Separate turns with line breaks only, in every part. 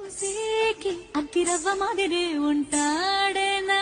అతిరవ్వ మాదిరే ఉంటాడే నా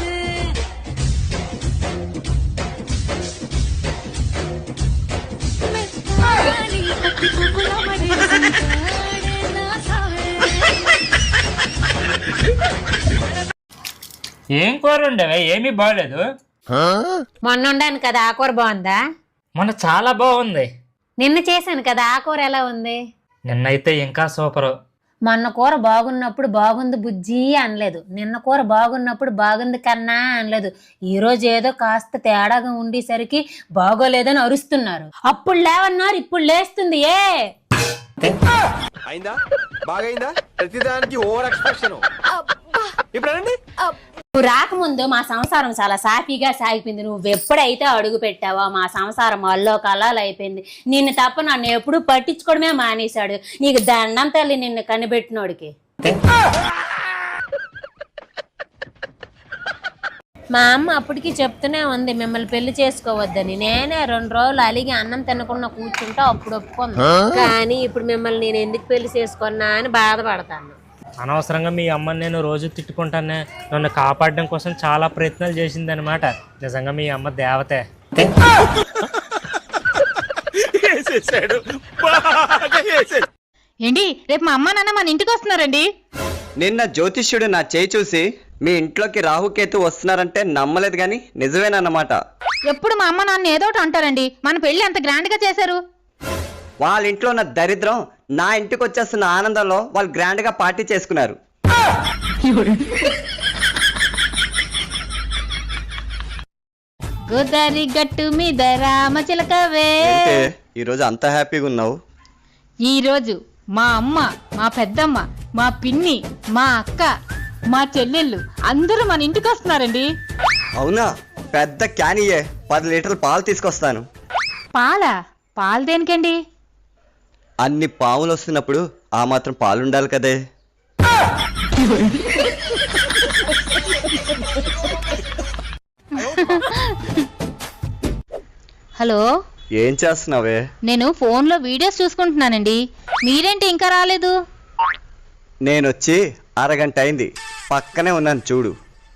ఏం కూర ఉండవే? ఏమీ బాగలేదు.
మొన్న ఉండాను కదా, ఆ కూర బాగుందా?
మొన్న చాలా బాగుంది.
నిన్న చేశాను కదా, ఆ కూర ఎలా ఉంది?
నిన్నైతే ఇంకా సూపర్.
మొన్న కూర బాగున్నప్పుడు బాగుంది బుజ్జి అనలేదు, నిన్న కూర బాగున్నప్పుడు బాగుంది కన్నా అనలేదు. ఈ రోజు ఏదో కాస్త తేడాగా ఉండేసరికి బాగోలేదని అరుస్తున్నారు. అప్పుడు లేవన్నారు, ఇప్పుడు లేస్తుంది.
అయిందా? బాగైందా? ప్రతిదానికి ఓవర్ ఎక్స్ప్రెషన్. ఇప్పుడు
నువ్వు రాకముందు మా సంసారం చాలా సాఫీగా సాగిపోయింది. నువ్వు ఎప్పుడైతే అడుగు పెట్టావో మా సంసారం అల్లో కలాలు అయిపోయింది. నిన్ను తప్ప నన్ను ఎప్పుడు పట్టించుకోవడమే మానేశాడు. నీకు దండం తల్లి నిన్ను కనిపెట్టినోడికి. మా అమ్మ అప్పటికి చెప్తూనే ఉంది మిమ్మల్ని పెళ్లి చేసుకోవద్దని. నేనే 2 రోజులు అలిగి అన్నం తినకుండా కూర్చుంటా, అప్పుడు ఒప్పుకుంది. కానీ ఇప్పుడు మిమ్మల్ని నేను ఎందుకు పెళ్లి చేసుకున్నా అని బాధపడతాను.
అనవసరంగా మీ అమ్మని నేను రోజు తిట్టుకుంటానే. నన్ను కాపాడడం కోసం చాలా ప్రయత్నాలు చేసింది అనమాట. నిజంగా మీ అమ్మ దేవతే.
ఏంటి రేపు మా అమ్మ నాన్న మన ఇంటికి వస్తున్నారండి?
నిన్న జ్యోతిష్యుడు నా చేయి చూసి మీ ఇంట్లోకి రాహుకేతు వస్తున్నారంటే నమ్మలేదు, కానీ నిజమేనన్నమాట.
ఎప్పుడు మా అమ్మ నాన్న ఏదోటి అంటారండి. మన పెళ్లి అంత గ్రాండ్ గా చేశారు.
వాళ్ళ ఇంట్లో ఉన్న దరిద్రం నా ఇంటికి వచ్చేస్తున్న ఆనందంలో వాళ్ళు గ్రాండ్ గా పార్టీ చేసుకున్నారు.
గోదారి గట్టు మీద రామచిలకవే.
ఈరోజు అంత హ్యాపీగా ఉన్నావు?
ఈ రోజు మా అమ్మ, మా పెద్దమ్మ, మా పిన్ని, మా అక్క, మా చెల్లెళ్ళు అందరూ మన ఇంటికి వస్తున్నారండి.
అవునా? పెద్ద క్యానియే 10 లీటర్ల పాలు తీసుకొస్తాను.
పాలు దేనికండి?
అన్ని పాములు వస్తున్నప్పుడు ఆ మాత్రం పాలు ఉండాలి కదే.
హలో,
ఏం చేస్తున్నావే?
నేను ఫోన్లో వీడియోస్ చూసుకుంటున్నానండి. మీరేంటి ఇంకా రాలేదు?
నేనొచ్చి అరగంట అయింది, పక్కనే ఉన్నాను చూడు.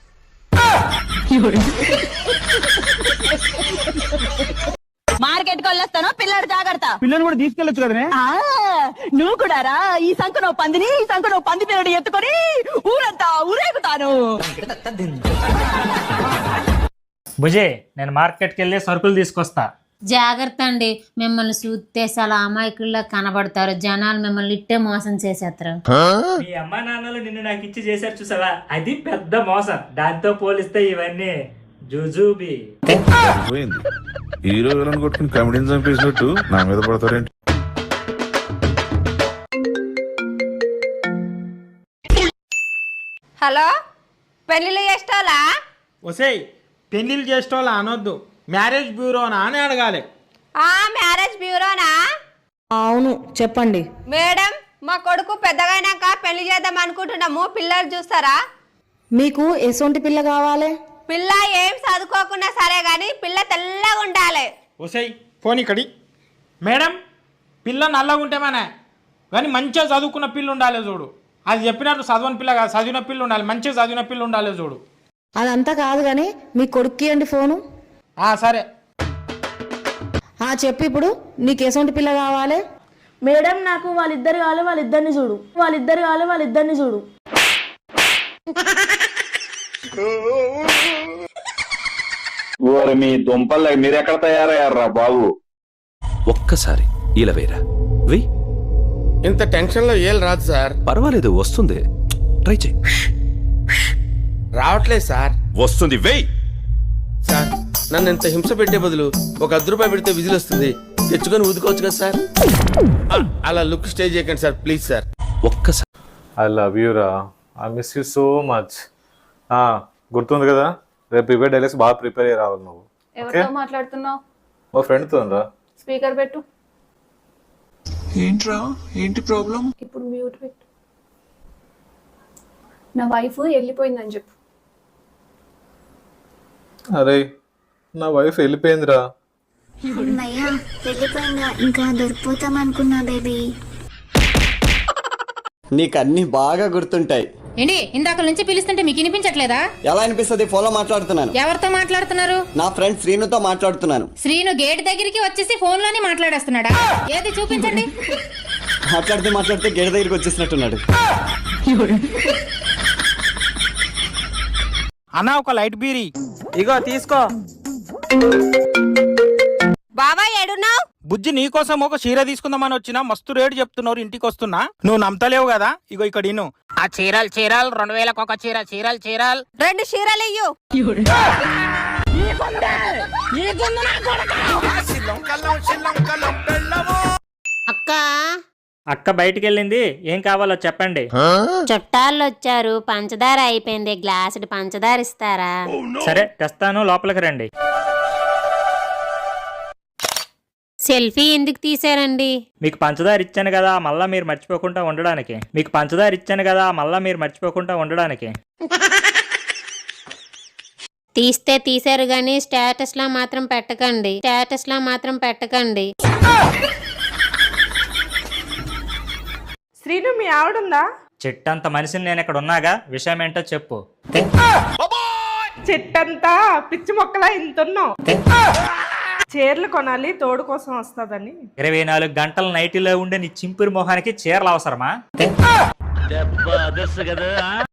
మార్కెట్ కి వెళ్ళొస్తాను, పిల్లడు జాగ్రత్త.
పిల్లని కూడా తీసుకెళ్ళొచ్చు కదనే.
నువ్వు కూడా రా. ఈ సంఖ పందిని, ఈ సంఖ పంది పిల్లడు ఎత్తుకొని ఊరంతా ఊరేగుతాను.
భుజే, నేను మార్కెట్కి వెళ్ళి సరుకులు తీసుకొస్తా.
జాగ్రత్త అండి, మిమ్మల్ని చూస్తే చాలా అమాయకుల్లా కనబడతారు. జనాలు మిమ్మల్ని ఇట్టే మోసం చేసేస్తారు.
మీ అమ్మా నాన్నలు నిన్ను నాకు ఇచ్చి చేశారు చూసావా, అది పెద్ద మోసం. దాంతో పోలిస్తే ఇవన్నీ జుజుబి.
పోయింది. హీరో విలన్ కొట్టుకుని కమెడీని చంపేసినట్టు నా మీద పడతారేంటి?
హలో, పెళ్లిళ్ళు చేస్తాలా?
ఒసేయ్, పెళ్లిళ్ళు చేసేవాళ్ళ అనొద్దు, మ్యారేజ్ బ్యూరోనా అని అడగాలి.
మ్యారేజ్ బ్యూరోనా?
అవును, చెప్పండి
మేడం. మా కొడుకు పెద్దగైనాక పెళ్లి చేద్దాం అనుకుంటున్నాము. పిల్లలు చూస్తారా?
మీకు ఎసొంటి పిల్ల కావాలి?
పిల్ల ఏం చదువుకోకున్నా సరే గాని పిల్ల తెల్లగా ఉండాలి.
ఒసేయ్, ఫోన్ ఇక్కడి. మేడం, పిల్ల నల్లగా ఉంటే మన కానీ మంచిగా చదువుకున్న పిల్ల ఉండాలి చూడు. అది చెప్పినట్టు చదవని పిల్ల కాదు, చదివిన పిల్ల ఉండాలి. మంచిగా చదివిన పిల్ల ఉండాలి చూడు.
అదంతా కాదు గాని మీ కొడుక్కి అండి ఫోను.
సరే
చెప్పి ఇప్పుడు నీకు ఎసొంటి పిల్ల కావాలి? మేడం, నాకు వాళ్ళిద్దరు కావాలి, వాళ్ళిద్దరిని చూడు. వాళ్ళిద్దరిని చూడు.
మీ దుంపల్లో మీరెక్కడ తయారయ్యారా బాబు?
ఒక్కసారి ఇలా వేరా వెయ్.
ఇంత టెన్షన్ లో ఏం రాదు సార్.
పర్వాలేదు, వస్తుంది. ట్రై చేయి.
రావట్లేదు సార్.
వస్తుంది, వెయ్.
సార్, నన్ను ఇంత హింస పెట్టే బదులు ఒక 10 రూపాయలు పెడితే విజిల్ వస్తుంది, తెచ్చుకొని ఊదుకోవచ్చు కదా సార్. అలా లుక్ స్టే చేయకండి సార్, ప్లీజ్ సార్.
ఒక్కసారి.
ఐ లవ్ యూ రా, I miss you so much. గుర్తుంది కదా, రేపు ప్రిపేర్ డైలాగ్స్ బాగా ప్రిపేర్ అయ్యి రావాలి నువ్వు.
ఎవరితో మాట్లాడుతున్నావు?
మా ఫ్రెండ్తో రా.
స్పీకర్ పెట్టు.
ఏంట్రా, ఏంటి ప్రాబ్లం?
ఇప్పుడు మ్యూట్ పెట్టు. నా వైఫ్ వెళ్ళిపోయిందని చెప్పు.
అరే, నా వైఫ్ వెళ్ళిపోయిందిరా.
అమ్మయ్యా, వెళ్ళిపోయిందా? ఇంకా దొరికిపోతాం అనుకున్నా బేబీ.
నీకు అన్ని బాగా గుర్తుంటాయి.
ఏంటి ఇందాక నుంచి పిలుస్తుంటే మీకు వినిపించట్లేదా?
ఎలా అనిపిస్తుంది? ఫోన్లో మాట్లాడుతున్నాను.
ఎవరితో మాట్లాడుతున్నారు?
నా ఫ్రెండ్ శ్రీనుతో మాట్లాడుతున్నాను.
శ్రీను గేట్ దగ్గరికి వచ్చేసి ఫోన్ లోనే మాట్లాడేస్తున్నాడా? ఏది చూపించండి.
మాట్లాడితే గేట్ దగ్గరికి వచ్చేసినట్టున్నాడు.
అన్న ఒక లైట్ బీరీ ఇగో తీసుకో.
బాబా ఏడున్నావు?
బుజ్జి నీకోసం ఒక చీర తీసుకుందామని వచ్చినా, మస్తు రేటు చెప్తున్నారు, ఇంటికి వస్తున్నా. నువ్వు నమ్మతలేవు కదా, ఇగో ఇక్కడ ఇను. ఆ చీరలు 2000కి ఒక చీర. చీరలు
2 చీరలు ఇయ్యు.
అక్క బయటికి వెళ్ళింది, ఏం కావాలో చెప్పండి.
చుట్టాలు వచ్చారు, పంచదార అయిపోయింది, గ్లాసుడు పంచదార ఇస్తారా?
సరే తెస్తాను, లోపలికి రండి.
సెల్ఫీ ఎందుకు తీసారండి?
మీకు పంచదార ఇచ్చాను కదా, మళ్ళా మీరు మర్చిపోకుండా ఉండడానికి.
తీస్తే తీసారు గానీ స్టేటస్ లా మాత్రం పెట్టకండి.
శ్రీను మీ ఆవిడుందా?
చెట్టంత మనిషిని నేను ఇక్కడ ఉన్నాగా, విషయం ఏంటో చెప్పు.
చెట్టంతా పిచ్చి మొక్కలా ఇంతున్నావు. చీరలు కొనాలి, తోడు కోసం వస్తుందని.
24 గంటల నైటీలో ఉండే నీ చింపురి మొహానికి చీరలు అవసరమా?